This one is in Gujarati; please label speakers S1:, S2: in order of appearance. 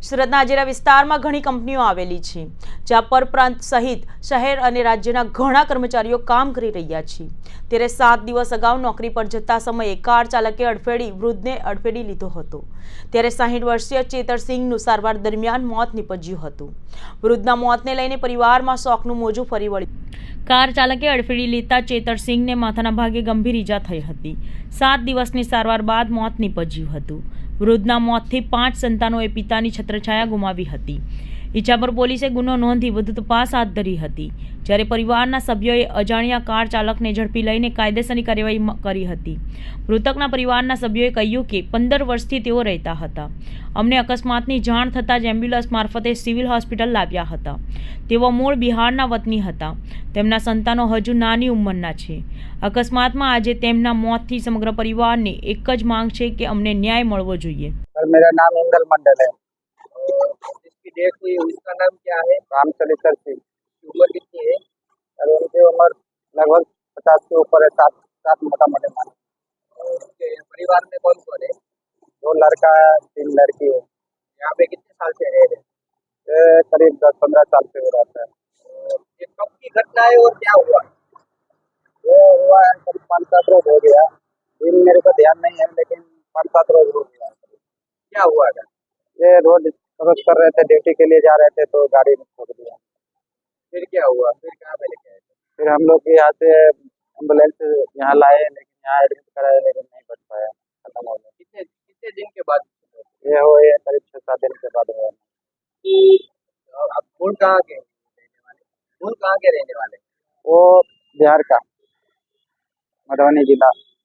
S1: સુરતના હાજીરા વિસ્તારમાં ઘણી કંપનીઓ આવેલી છે, જ્યાં પરપ્રાંત સહિત શહેર અને રાજ્યના ઘણા કર્મચારીઓ કામ કરી રહ્યા છે. ત્યારે 7 દિવસ અગાઉ નોકરી પર જતા સમયે કાર ચાલકે અડફેડી વૃદ્ધને અડફેડી લીધો હતો. ત્યારે 60 વર્ષીય ચેતરસિંહનું સારવાર દરમિયાન મોત નીપજ્યું હતું. વૃદ્ધના મોતને લઈને પરિવારમાં શોકનું મોજું ફરી વળ્યું. કાર ચાલકે અડફેડી લેતા ચેતરસિંહને માથાના ભાગે ગંભીર ઈજા થઈ હતી. 7 દિવસની સારવાર બાદ મોત નીપજ્યું હતું. વૃદ્ધના મોતથી 5 સંતાનોએ પિતાની છત્રછાયા ગુમાવી હતી. ઈજાપર પોલીસે ગુનો નોંધી વધુ તપાસ હાથ ધરી હતી. જ્યારે પરિવારના સભ્યોએ અજાણ્યા કાર ચાલકને ઝડપી લઈને કાયદેસરની કાર્યવાહી કરી હતી. મૃતકના પરિવારના સભ્યોએ કહ્યું કે 15 વર્ષથી તેઓ રહેતા હતા. અમને અકસ્માતની જાણ થતાં જ એમ્બ્યુલન્સ મારફતે સિવિલ હોસ્પિટલ લાવ્યા હતા. તેઓ મૂળ બિહારના વતની હતા. તેમના સંતાનો હજુ નાની ઉંમરના છે. અકસ્માતમાં આજે તેમના મોતથી સમગ્ર પરિવારની એક જ માંગ છે કે અમને ન્યાય મળવો જોઈએ.
S2: मेरा नाम इंगल मंडल है।
S3: जिसकी डेथ हुई उसका नाम क्या है?
S2: रामचरित्र सिंह।
S3: उम्र कितनी है?
S2: और उनकी उम्र लगभग 50 के ऊपर है। सात मोटा मोटे मान।
S3: उसके परिवार में कौन कौन है?
S2: 2 लड़का है, 3 लड़की है।
S3: यहाँ पे कितने साल से रह रहे?
S2: ये करीब 10-15 साल से हो रहा है।
S3: ये कब की घटना है और क्या हुआ?
S2: ये हुआ है करीब 5-7 रोज हो गया। दिन मेरे को ध्यान नहीं है, लेकिन 5-7 रोज हो गया।
S3: क्या हुआ था?
S2: ये रोड क्रॉस कर रहे थे, ड्यूटी के लिए जा रहे थे, तो गाड़ी में ठोक दिया।
S3: फिर क्या हुआ? फिर कहाँ पे लेके आए?
S2: फिर हम लोग यहाँ से एम्बुलेंस यहाँ लाए, लेकिन यहाँ एडमिट कराए, लेकिन नहीं बच पाया, खत्म हो गया।
S3: कितने दिन के बाद?
S2: ये हो ये करीब 6-7 दिन के बाद हुआ।
S3: आप मूल कहाँ के रहने वाले? मूल कहाँ के रहने वाले?
S2: वो बिहार का, मधुबनी जिला।